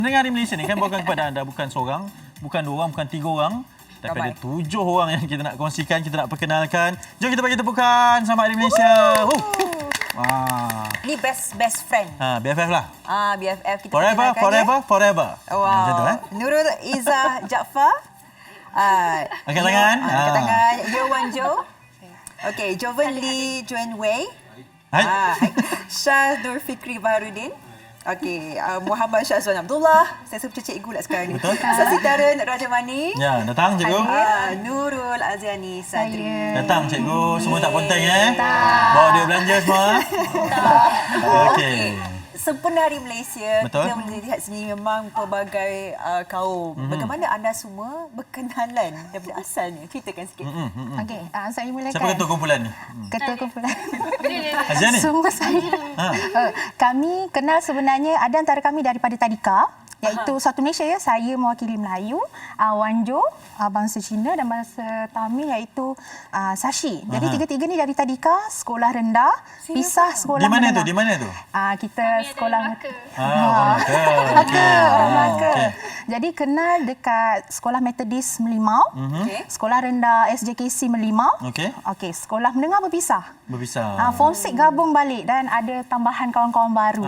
Pendengar di Malaysia ni kan bawakan kepada anda bukan seorang, bukan dua orang, bukan tiga orang. Tapi ada 7 orang yang kita nak kongsikan, kita nak perkenalkan. Jom kita bagi tepukan sama di Malaysia. Ini best friend. BFF lah. BFF kita Forever. Wow. Macam tu Nurul Izzah Jaafar. Angkat tangan. Angkat tangan. Yowan Jo. Okey, Jovan Lee Juan Wei. Hai. Syah Nur Fikri Baharudin. Okey, Muhammad Syazwan Abdullah. Saya suka cikgu lah sekarang ni. Betul. Sasitaran Rajamani. Ya, datang cikgu. Nurul Aziani Sadri. Datang cikgu. Semua tak ponteng Bawa dia belanja semua. Okey. Sempena Hari Malaysia, Betul. kita melihat sini memang pelbagai kaum. Bagaimana anda semua berkenalan daripada asalnya? Ceritakan sikit. Okey, saya mulakan. Siapa ketua kumpulan ni? Ketua kumpulan. Azia ni? Semua saya. Kami kenal sebenarnya ada antara kami daripada tadika, iaitu Satu Malaysia ya. Saya mewakili Melayu, Wan Jo bangsa Cina dan bangsa Tamil iaitu Sashi. Jadi tiga-tiga ni dari tadika, sekolah rendah, pisah sekolah Di mana menengah. tu? Di mana tu? Kita sekolah Orang Melaka. Orang Melaka. Jadi kenal dekat Sekolah Metodis Melimau, Sekolah Rendah SJKC Melimau. Okey, sekolah menengah berpisah. Form 6 gabung balik dan ada tambahan kawan-kawan baru.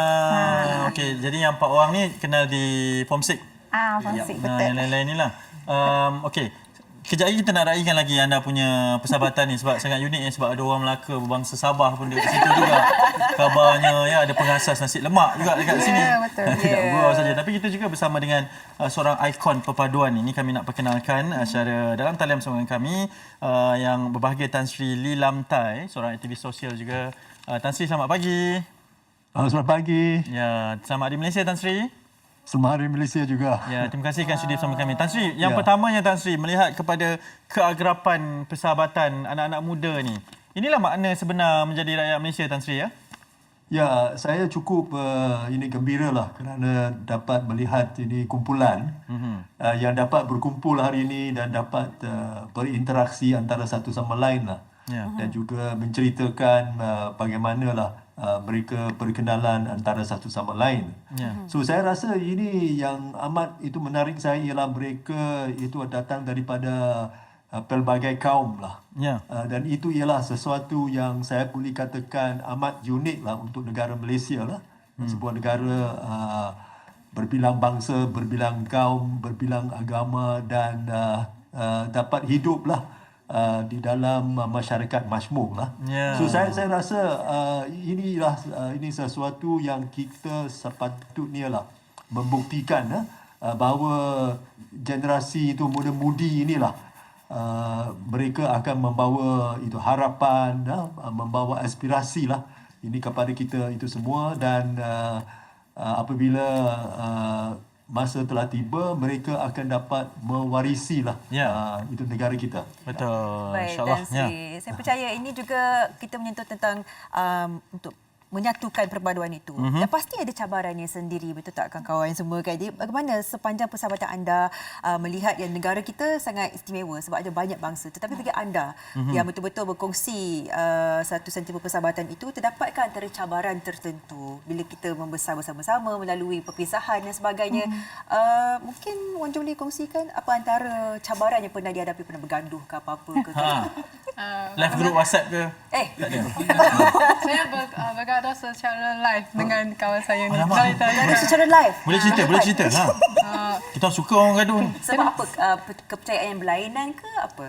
Okey, jadi yang 4 orang ni kenal di Form 6. Form 6 betul. Yang lain-lain ni lah. Okey. Kejap lagi kita nak raikan lagi anda punya persahabatan ni sebab sangat unik sebab ada orang Melaka berbangsa Sabah pun dekat situ juga. Kabarnya ada pengasas nasi lemak juga dekat sini. Betul. Tidak gurau saja tapi kita juga bersama dengan seorang ikon perpaduan ini kami nak perkenalkan secara dalam talian bersama dengan kami yang berbahagia Tan Sri Lee Lam Tai, seorang aktivis sosial juga. Tan Sri selamat pagi. Selamat pagi. Ya, selamat Hari Malaysia Tan Sri. Selamat Hari Malaysia juga. Ya, terima kasih kerana sudi bersama kami. Tan Sri, yang pertamanya Tan Sri melihat kepada keagrapan persahabatan anak-anak muda ni. Inilah makna sebenar menjadi rakyat Malaysia Tan Sri ya. Ya, saya cukup gembiralah kerana dapat melihat ini kumpulan yang dapat berkumpul hari ini dan dapat berinteraksi antara satu sama lain lah. Dan juga menceritakan bagaimanalah mereka berkenalan antara satu sama lain. So saya rasa ini yang amat itu menarik saya ialah mereka itu datang daripada pelbagai kaum lah. Dan itu ialah sesuatu yang saya boleh katakan amat unik lah untuk negara Malaysia lah. Sebuah negara berbilang bangsa, berbilang kaum, berbilang agama dan dapat hidup lah di dalam masyarakat majmuk lah. So saya rasa ini sesuatu yang kita sepatutnya lah membuktikan bahawa generasi itu muda-mudi inilah mereka akan membawa itu harapan, membawa aspirasi lah ini kepada kita itu semua dan apabila masa telah tiba, mereka akan dapat mewarisi lah itu negara kita. Betul. Baik, InsyaAllah. Saya percaya ini juga kita menyentuh tentang untuk menyatukan perpaduan itu. Dan pasti ada cabarannya sendiri, betul tak kawan-kawan semua kan? Jadi bagaimana sepanjang persahabatan anda melihat yang negara kita sangat istimewa sebab ada banyak bangsa. Tetapi bagi anda yang betul-betul berkongsi satu sentimen persahabatan itu, terdapatkah antara cabaran tertentu bila kita membesar bersama-sama melalui perpisahan dan sebagainya? Mungkin Wan Jo boleh kongsikan apa antara cabaran yang pernah dihadapi, pernah bergaduh ke apa-apa ke? Live group WhatsApp ke? Tak ada. Saya bergaduh secara live dengan kawan saya ni. Bergaduh secara live? Boleh cerita. Kita suka orang gaduh ni. Sebab apa? Kepercayaan yang berlainan ke apa?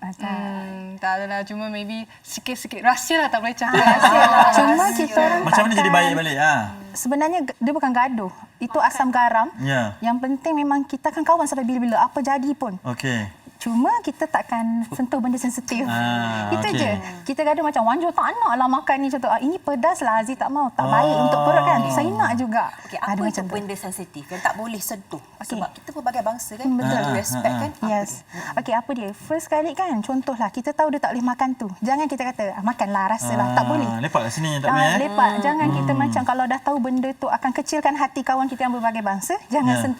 Tak adalah, cuma maybe sikit-sikit rahsia lah, tak boleh cakap. Cuma kita orang Macam mana jadi baik balik? Sebenarnya dia bukan gaduh. Itu asam garam. Yang penting memang kita akan kawan sampai bila-bila. Apa jadi pun. Okey. Cuma kita takkan sentuh benda sensitif. Itu je. Kita gaduh macam Wan Jo tak nak lah makan ni contoh. Ini pedas lah, Aziz tak mau. Tak baik untuk perut kan. Saya nak juga. Apa itu benda sensitif yang tak boleh sentuh? Sebab kita pelbagai bangsa kan. Betul. Respect kan. Yes. Okey, apa dia? First kali kan, contohlah kita tahu dia tak boleh makan tu. Jangan kita kata, makanlah, rasalah. Tak boleh. Lepak kat sini, tak boleh. Lepak. Jangan kita macam kalau dah tahu benda tu akan kecilkan hati kawan kita yang berbagai bangsa, jangan sentuh.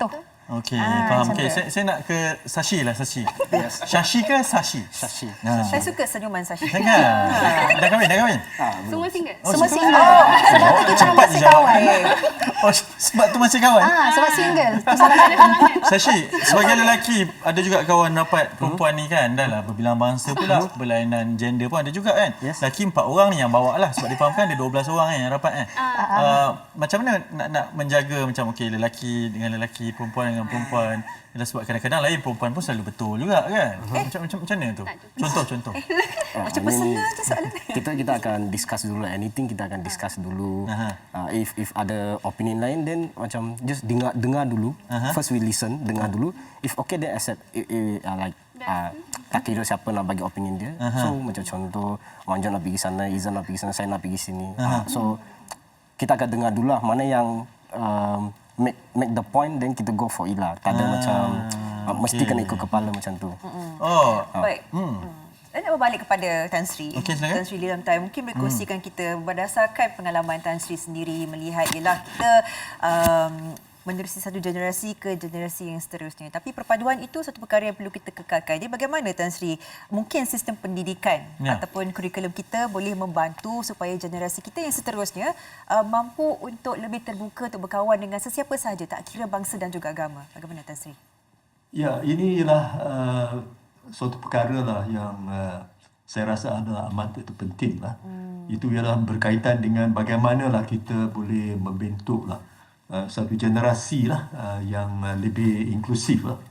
Okey, faham. Okey, saya nak ke Sashi lah, Sashi. Sashi ke Sashi? Sashi. Saya suka senyuman Sashi. Jangan. Dah kahwin? Semua single. Semua single. Sebab tu kita cepat masih jawab. kawan. Oh, sebab tu masih kawan? Sebab single. Tu salah satu. Sashi, sebagai lelaki ada juga kawan rapat perempuan ni kan. Dah lah berbilang bangsa pula, berlainan gender pun ada juga kan. Lelaki 4 orang ni yang bawa lah sebab difahamkan ada 12 orang kan yang rapat kan. Macam mana nak menjaga macam okey lelaki dengan lelaki, perempuan dengan perempuan. Ialah sebab kadang-kadang lain perempuan pun selalu betul juga kan. Macam mana tu? Contoh. Macam personal je soalan. Kita akan discuss dulu anything, kita akan discuss dulu. If ada opinion lain then macam just dengar dulu. First we listen, dengar dulu. If okay then accept. Like tak kira siapa nak bagi opinion dia. So macam contoh Wan Jo nak pergi sana, Izan nak pergi sana, saya nak pergi sini. So kita akan dengar dulu lah mana yang make the point then kita go for it lah. Tak ada macam mesti kena ikut kepala macam tu. Baik. Saya nak berbalik kepada Tan Sri. Okey, silakan. Tan Sri Lilamtai, mungkin boleh kongsikan kita berdasarkan pengalaman Tan Sri sendiri melihat ialah kita menerusi satu generasi ke generasi yang seterusnya. Tapi perpaduan itu satu perkara yang perlu kita kekalkan. Jadi bagaimana Tan Sri mungkin sistem pendidikan ataupun kurikulum kita boleh membantu supaya generasi kita yang seterusnya mampu untuk lebih terbuka untuk berkawan dengan sesiapa sahaja, tak kira bangsa dan juga agama. Bagaimana Tan Sri? Ya, ini ialah suatu perkara lah yang saya rasa adalah amat penting lah. Itu ialah berkaitan dengan bagaimanalah kita boleh membentuk lah satu generasi lah yang lebih inklusif lah.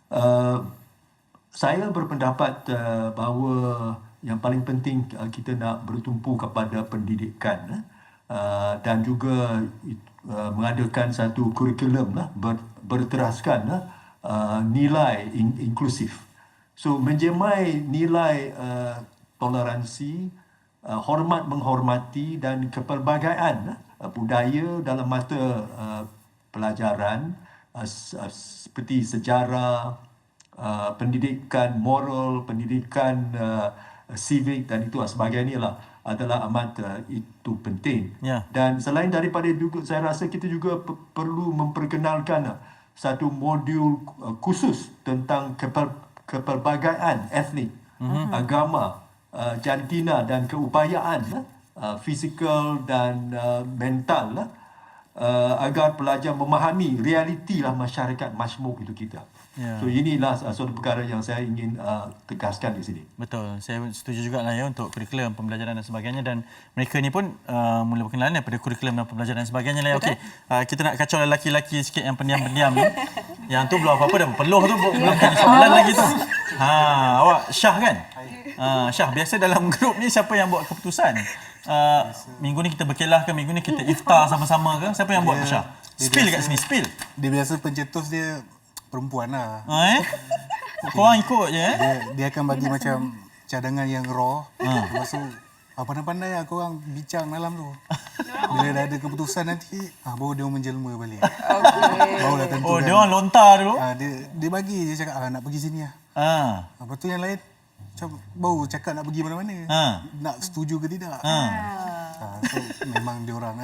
Saya berpendapat bahawa yang paling penting kita nak bertumpu kepada pendidikan dan juga mengadakan satu kurikulum lah berteraskan nilai inklusif. So menjemai nilai toleransi, hormat menghormati dan kepelbagaian budaya dalam mata pelajaran seperti sejarah, pendidikan moral, pendidikan civic dan itu sebagainya lah adalah amat itu penting. Dan selain daripada itu, saya rasa kita juga perlu memperkenalkan satu modul khusus tentang kepelbagaian etnik, agama, jantina dan keupayaan fizikal dan mental agar pelajar memahami realiti lah masyarakat majmuk itu kita. So inilah suatu perkara yang saya ingin tegaskan di sini. Betul, saya setuju juga lah ya untuk kurikulum pembelajaran dan sebagainya dan mereka ni pun mula berkenalan daripada kurikulum dan pembelajaran dan sebagainya lah. Okey, kita nak kacau lelaki-lelaki sikit yang pendiam-pendiam ni. Yang tu belum apa-apa dah berpeluh tu belum jadi soalan lagi tu. Awak Syah kan? Syah, biasa dalam grup ni siapa yang buat keputusan? Minggu ni kita berkelah ke, minggu ni kita iftar sama-sama ke? Siapa yang buat Syah? Spill kat sini, spill. Dia biasa pencetus dia perempuan lah. Korang ikut je Dia akan bagi macam cadangan yang raw. Lepas tu pandai-pandai lah korang bincang dalam tu. Bila dah ada keputusan nanti, baru dia menjelma balik. Barulah tentukan. Oh, dia orang lontar dulu. Dia bagi, dia cakap nak pergi sini lah. Lepas tu yang lain macam baru cakap nak pergi mana-mana. Nak setuju ke tidak. So memang dia orang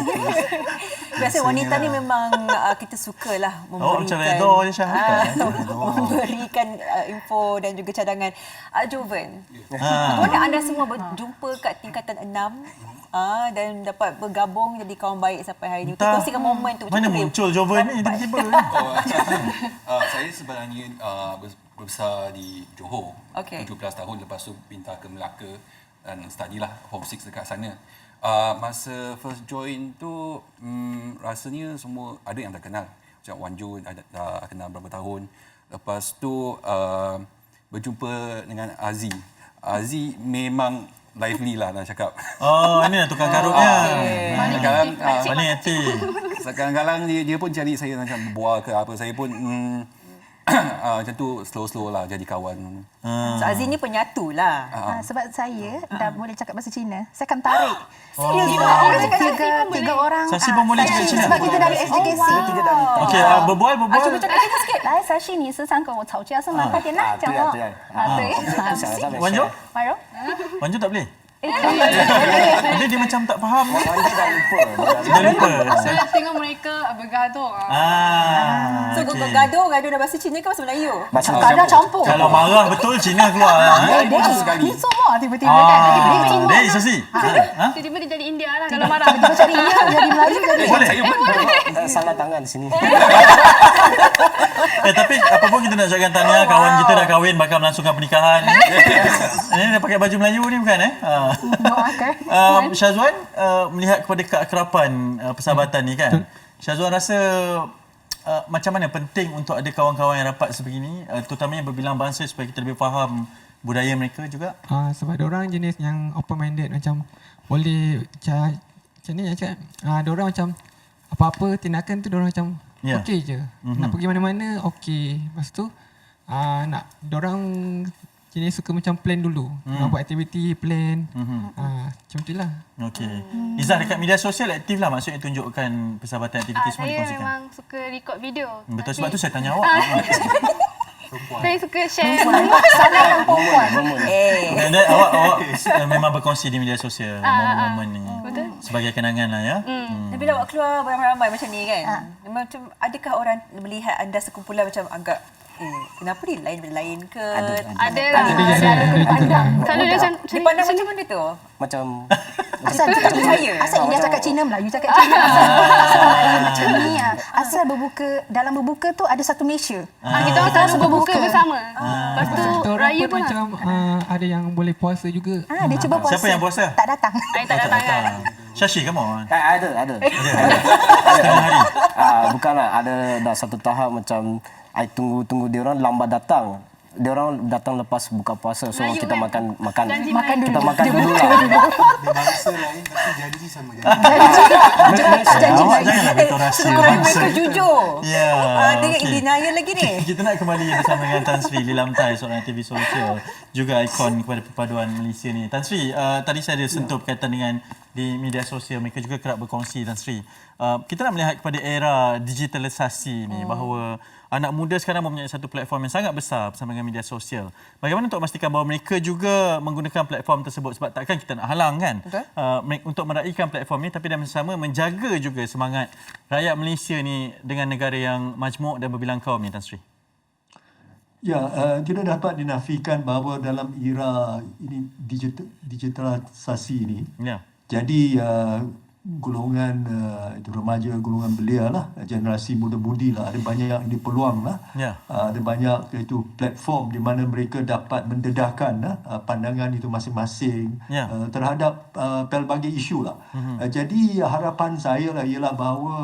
Biasa wanita ni memang kita sukalah macam memberikan redor je Syah. memberikan info dan juga cadangan. Joven, bagaimana anda semua berjumpa kat tingkatan 6 dan dapat bergabung jadi kawan baik sampai hari ini? Kita kongsikan momen tu. Mana muncul Joven ni tiba-tiba? Saya sebenarnya berbesar di Johor. 17 tahun, lepas tu pindah ke Melaka dan study lah Form 6 dekat sana. Masa first join tu rasanya semua ada yang dah kenal. Macam Wan Jo dah kenal berapa tahun. Lepas tu berjumpa dengan Aziz. Aziz memang lively lah nak cakap. Ini lah tukang karutnya. Paling aktif. Kadang-kadang dia pun cari saya macam berbual ke apa. Saya pun macam tu slow-slow lah jadi kawan. So Aziz ni penyatu lah. Sebab saya dah boleh cakap bahasa Cina. Saya akan tarik. Serius? Tiga orang. Sashi pun boleh cakap Cina. Sebab kita dari SJKC. Okey, berbual. Cuba cakap Cina sikit. 来，Sashi，你是想跟我吵架是吗？快点啦，讲话。对。 Wan Jo? 婉柔。 Wan Jo tak boleh? Dia macam tak faham. Dia lupa. Saya tengok mereka bergaduh. So gaduh dalam bahasa Cina ke bahasa Melayu? Kadang campur. Kalau marah betul Cina keluar. Ni semua tiba-tiba kan. Dek, Sasi. Tiba-tiba dia jadi India lah kalau marah. Tiba-tiba cari India, jadi Melayu, jadi Boleh. Salah tangan di sini. Tapi apa pun kita nak ucapkan tahniah, kawan kita dah kahwin, bakal melangsungkan pernikahan. Ini dah pakai baju Melayu ni bukan Syazwan, melihat kepada keakraban persahabatan ni kan. Syazwan rasa macam mana penting untuk ada kawan-kawan yang rapat sebegini, terutamanya berbilang bangsa supaya kita lebih faham budaya mereka juga? Sebab diorang jenis yang open-minded, macam boleh macam ni cakap. Diorang macam apa-apa tindakan tu diorang macam okey je. Nak pergi mana-mana okey. Lepas tu nak diorang jenis suka macam plan dulu. Nak buat aktiviti, plan. Macam tu lah. Okey. Izzah, dekat media sosial aktif lah, maksudnya tunjukkan persahabatan aktiviti semua Saya dikongsikan. memang suka record video. Betul, sebab tu saya tanya awak. Saya suka share. Salahkan perempuan. Dan awak memang berkongsi di media sosial momen-momen ni. Betul. Sebagai kenangan lah ya. Dan bila awak keluar beramai-ramai macam ni kan, macam adakah orang melihat anda sekumpulan macam agak kenapa dia lain ke? Ada lah. Kalau dia macam dipandang macam mana tu? Macam Asal India cakap Cina, Melayu cakap Cina. Macam ni asal dalam berbuka tu ada satu Malaysia. kita orang selalu berbuka bersama. Lepas tu raya pun macam ada yang boleh puasa juga. Dia cuba puasa. Siapa yang puasa? Tak datang. tak datang kan. Syashi, kamu? ada. Setengah hari? Bukanlah, ada dah satu tahap macam I tunggu dia orang lambat datang. Dia orang datang lepas buka puasa, so Melayu kita kan? makan Janji kita makan dulu lah. Dia bangsa lain tapi janji sama janji. Awak janganlah beritahu rahsia bangsa. Mereka jujur. Ya. Dengan okey. denial lagi ni. Kita nak kembali bersama dengan Tan Sri Lilamtai, seorang aktivis sosial, juga ikon kepada perpaduan Malaysia ni. Tan Sri, tadi saya ada sentuh berkaitan dengan di media sosial, mereka juga kerap berkongsi, Tan Sri. Kita nak melihat kepada era digitalisasi ni, bahawa anak muda sekarang mempunyai satu platform yang sangat besar bersama dengan media sosial. Bagaimana untuk memastikan bahawa mereka juga menggunakan platform tersebut, sebab takkan kita nak halang kan untuk meraihkan platform ni, tapi dan bersama menjaga juga semangat rakyat Malaysia ni dengan negara yang majmuk dan berbilang kaum ni, Tan Sri. Ya, tidak dapat dinafikan bahawa dalam era ini digitalisasi ini, jadi golongan itu remaja, golongan belia lah, generasi muda-mudi lah, ada banyak ini peluang lah, ada banyak itu platform di mana mereka dapat mendedahkan pandangan itu masing-masing terhadap pelbagai isu lah. Jadi harapan saya lah ialah bahawa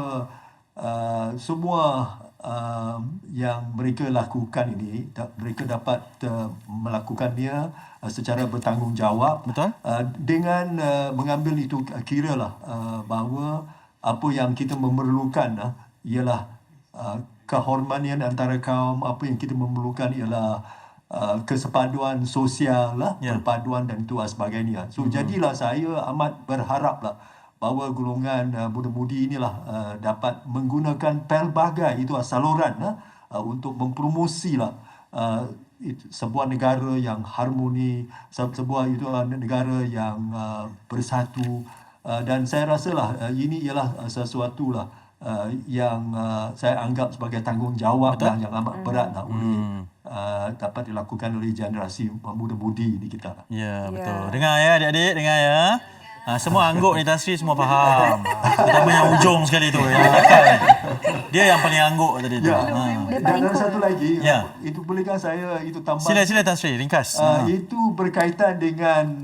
semua yang mereka lakukan ini, mereka dapat melakukannya secara bertanggungjawab. Betul. Dengan mengambil itu kira lah bahawa apa yang kita memerlukan ialah kehormatan antara kaum, apa yang kita memerlukan ialah kesepaduan sosial lah, perpaduan dan itu sebagainya. So jadilah saya amat berharap lah bahawa golongan muda-mudi inilah dapat menggunakan pelbagai itu saluran untuk mempromosi lah sebuah negara yang harmoni, sebuah itu negara yang bersatu, dan saya rasalah ini ialah sesuatu lah yang saya anggap sebagai tanggungjawab yang amat berat lah oleh dapat dilakukan oleh generasi muda-mudi di kita. Ya, betul. Dengar ya adik-adik, dengar ya. Semua angguk ni Tan Sri semua faham. Terutama yang ujung sekali tu, yang akal. Dia yang paling angguk tadi tu. Dan satu lagi, itu bolehkah saya itu tambah? Sila Tan Sri, ringkas. Itu berkaitan dengan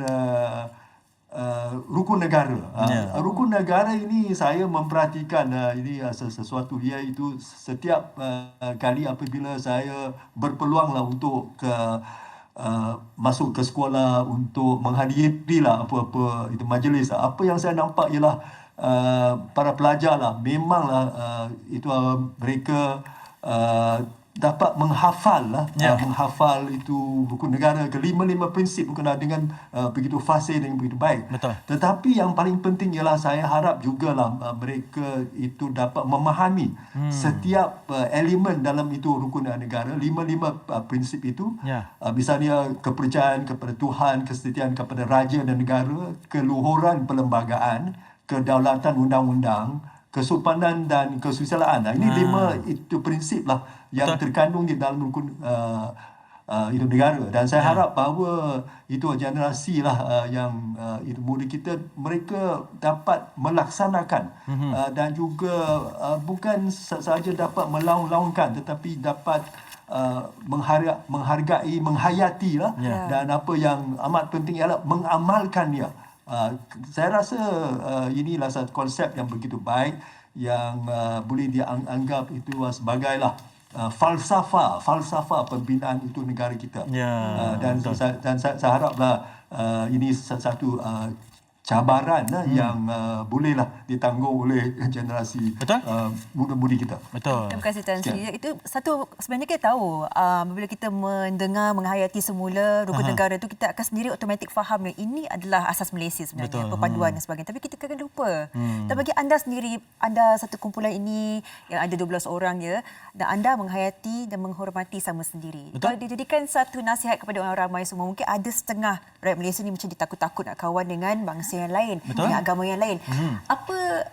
rukun negara. Rukun negara ini saya memperhatikan ini sesuatu, iaitu setiap kali apabila saya berpeluang lah untuk masuk ke sekolah untuk menghadiri lah apa-apa itu majlis, apa yang saya nampak ialah para pelajar lah memanglah itu mereka dapat menghafal lah, menghafal itu buku negara ke 5 prinsip berkenaan dengan begitu fasih dan begitu baik. Betul. Tetapi yang paling penting ialah saya harap jugalah mereka itu dapat memahami setiap elemen dalam itu rukun negara, 5 prinsip itu. Misalnya kepercayaan kepada Tuhan, kesetiaan kepada raja dan negara, keluhuran perlembagaan, kedaulatan undang-undang, kesopanan dan kesusilaan. Ini 5 itu prinsip lah yang terkandung di dalam rukun hidup negara, dan saya harap bahawa itu generasi lah yang itu muda kita, mereka dapat melaksanakan dan juga bukan sahaja dapat melaung-laungkan, tetapi dapat menghargai, menghayati lah, dan apa yang amat penting ialah mengamalkannya. Saya rasa inilah satu konsep yang begitu baik yang boleh dianggap itu sebagai falsafah pembinaan itu negara kita. Dan saya haraplah ini satu cabaran yang bolehlah ditanggung oleh generasi muda-mudi kita. Betul. Terima kasih Tan Sri. Itu satu, sebenarnya kita tahu bila kita mendengar, menghayati semula rukun negara itu, kita akan sendiri automatik faham yang ini adalah asas Malaysia sebenarnya, perpaduan dan sebagainya. Tapi kita kadang lupa. Dan bagi anda sendiri, anda satu kumpulan ini yang ada 12 orang je, dan anda menghayati dan menghormati sama sendiri. Kalau dijadikan satu nasihat kepada orang ramai semua, mungkin ada setengah rakyat Malaysia ni macam ditakut-takut nak kawan dengan bangsa yang lain, dengan agama yang lain. Apa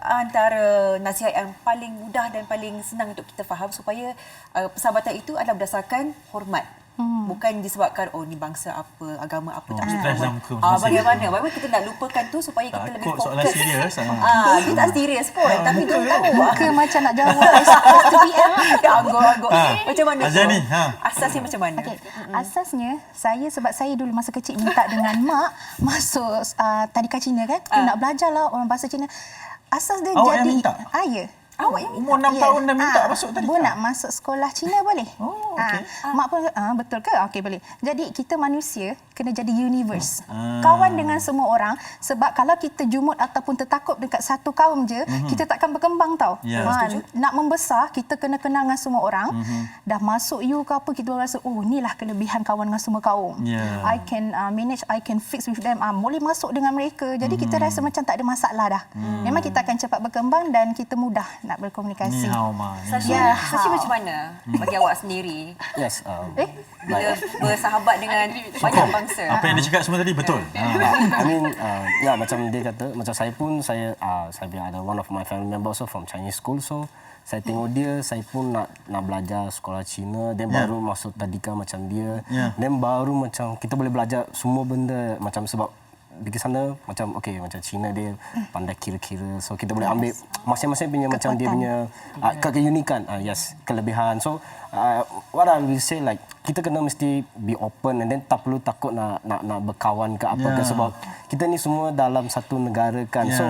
antara nasihat yang paling mudah dan paling senang untuk kita faham supaya persahabatan itu adalah berdasarkan hormat? Bukan disebabkan ni bangsa apa, agama apa, tak bagaimana kita nak lupakan tu supaya kita lebih fokus. Soalan serius. Dia tak serius pun, tapi dia tahu Muka macam nak jawab SPM. Angguk-angguk. Macam mana Azani, asasnya macam mana? Asasnya, sebab saya dulu masa kecil minta dengan mak masuk tadika Cina kan. Nak belajar lah orang bahasa Cina. Asas dia awak jadi... yang minta? Ya. Awak yang umur 6 tahun dah minta masuk tadi. Bu nak masuk sekolah Cina boleh? Okey. Mak pun betul ke? Okey boleh. Jadi kita manusia kena jadi universe. Kawan dengan semua orang, sebab kalau kita jumut ataupun tertakup dekat satu kaum je, kita takkan berkembang tau. Nak membesar kita kena kenal dengan semua orang. Dah masuk you ke apa, kita rasa inilah kelebihan kawan dengan semua kaum. I can manage, I can fix with them. Boleh masuk dengan mereka. Jadi kita rasa macam tak ada masalah dah. Memang kita akan cepat berkembang dan kita mudah nak berkomunikasi. Sashi macam mana bagi awak sendiri? Yes. Bila bersahabat dengan banyak bangsa. Apa yang dia cakap semua tadi betul. I mean, macam dia kata, macam saya pun, saya ada one of my family members also from Chinese school, so saya tengok dia, saya pun nak belajar sekolah Cina, dan baru masuk tadika macam dia, dan baru macam kita boleh belajar semua benda, macam sebab di sana macam macam Cina dia pandai kira-kira, so kita boleh ambil masing-masing punya macam dia punya keunikan, kelebihan. So what I will say, like kita kena mesti be open, and then tak perlu takut nak berkawan ke apa ke, sebab kita ni semua dalam satu negara kan. So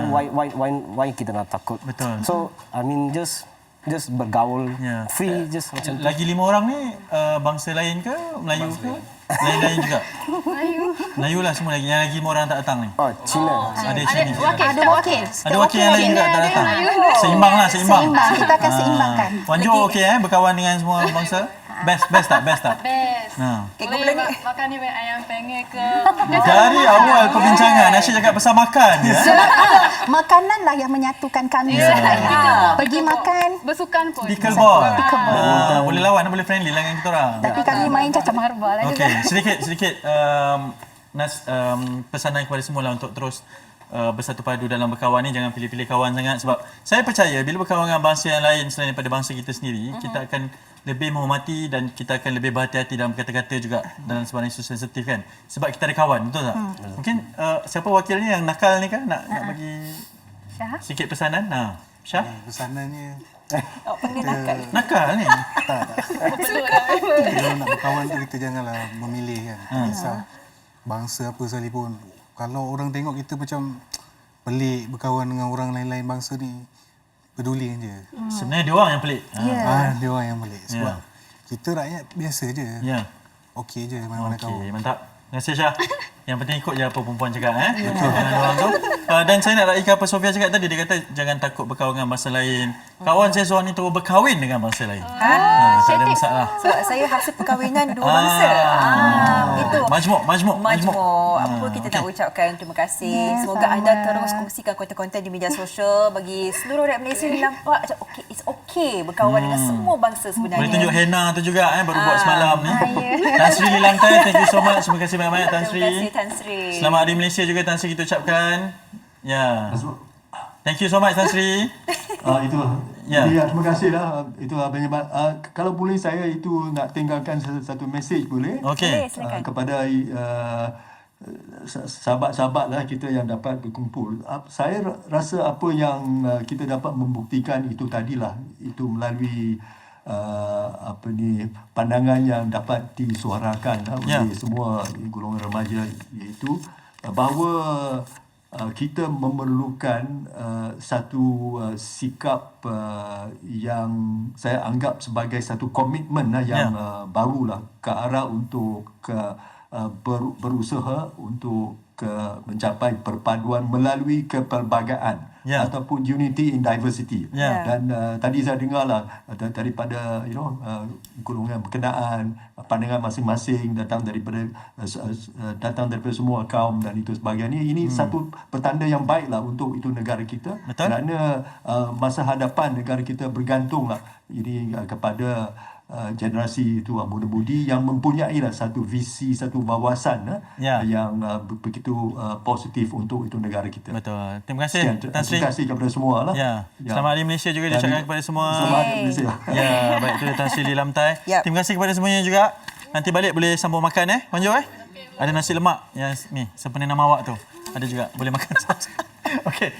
why kita nak takut? Betul. So I mean just bergaul free, just macam lagi 5 orang ni bangsa lain ke, Melayu ke? Lain-lain juga. Melayu lah semua lagi. Yang lagi 5 orang tak datang ni. Cina. Ada Cina. Ada wakil. Ada wakil yang lain juga tak datang. Seimbang. Seimbang. Kita akan seimbangkan. Wan Jo okey berkawan dengan semua bangsa? Best tak? Best. Boleh makan ni ayam penyet ke? Dari awal perbincangan Asyik cakap pasal makan. Makanan lah yang menyatukan kami. Pergi makan. Bersukan pun. Pickleball. Boleh lawan, boleh friendly lah dengan kita orang. Tapi kami main cacah marbal lah. Okey, sedikit pesanan kepada semua lah untuk terus bersatu padu dalam berkawan ni. Jangan pilih-pilih kawan sangat, sebab saya percaya bila berkawan dengan bangsa yang lain selain daripada bangsa kita sendiri, kita akan lebih menghormati dan kita akan lebih berhati-hati dalam kata-kata juga dalam sebarang isu sensitif kan, sebab kita ada kawan, betul tak? Mungkin siapa wakilnya yang nakal ni kan, nak bagi sikit pesanan. Syah? Pesanannya nakal ni. Kalau nak berkawan tu kita janganlah memilih kan. Tak kisah bangsa apa sekalipun. Kalau orang tengok kita macam pelik berkawan dengan orang lain-lain bangsa ni, pedulikan je. Sebenarnya dia orang yang pelik. Dia orang yang pelik. Sebab kita rakyat biasa je. Okey je mana-mana kawan. Okey, mantap. Terima kasih Syah. Yang penting ikut je apa perempuan cakap. Betul. Orang tu. Dan saya nak raikan apa Sofia cakap tadi. Dia kata jangan takut berkawan dengan bangsa lain. Kawan saya seorang ni terus berkahwin dengan bangsa lain. Tak ada masalah. Sebab saya hasil perkahwinan dua bangsa. Itu. Majmuk. Apa kita nak ucapkan terima kasih. Semoga anda terus kongsikan konten-konten di media sosial bagi seluruh rakyat Malaysia ni nampak macam it's okay berkawan dengan semua bangsa sebenarnya. Boleh tunjuk henna tu juga baru buat semalam ni. Tan Sri Lilamtai, thank you so much. Terima kasih banyak-banyak Tan Sri. Terima kasih Tan Sri. Selamat Hari Malaysia juga Tan Sri kita ucapkan. Thank you so much Tan Sri. Itu. Ya. Jadi terima kasihlah. Itu kalau boleh saya itu nak tinggalkan satu mesej boleh? Okey. Kepada sahabat-sahabat lah kita yang dapat berkumpul. Saya rasa apa yang kita dapat membuktikan itu tadilah, itu melalui pandangan yang dapat disuarakan oleh semua golongan remaja, iaitu bahawa kita memerlukan satu sikap yang saya anggap sebagai satu komitmen yang barulah ke arah untuk berusaha untuk mencapai perpaduan melalui kepelbagaian ataupun unity in diversity. Dan tadi saya dengarlah daripada golongan berkenaan, pandangan masing-masing datang daripada semua kaum dan itu sebagainya. Ini satu petanda yang baiklah untuk itu negara kita. Betul. Kerana masa hadapan negara kita bergantunglah ini kepada generasi itu muda-mudi yang mempunyai satu visi, satu wawasan yang begitu positif untuk itu negara kita. Betul. Terima kasih Tan Sri. Terima kasih kepada semua lah. Selamat Hari Malaysia juga diucapkan kepada semua. Selamat Hari Malaysia. Baik, itu Tan Sri Lilamtai. Terima kasih kepada semuanya juga. Nanti balik boleh sambung makan Wan Jo Ada nasi lemak yang ni sempena nama awak tu. Ada juga boleh makan. Okey.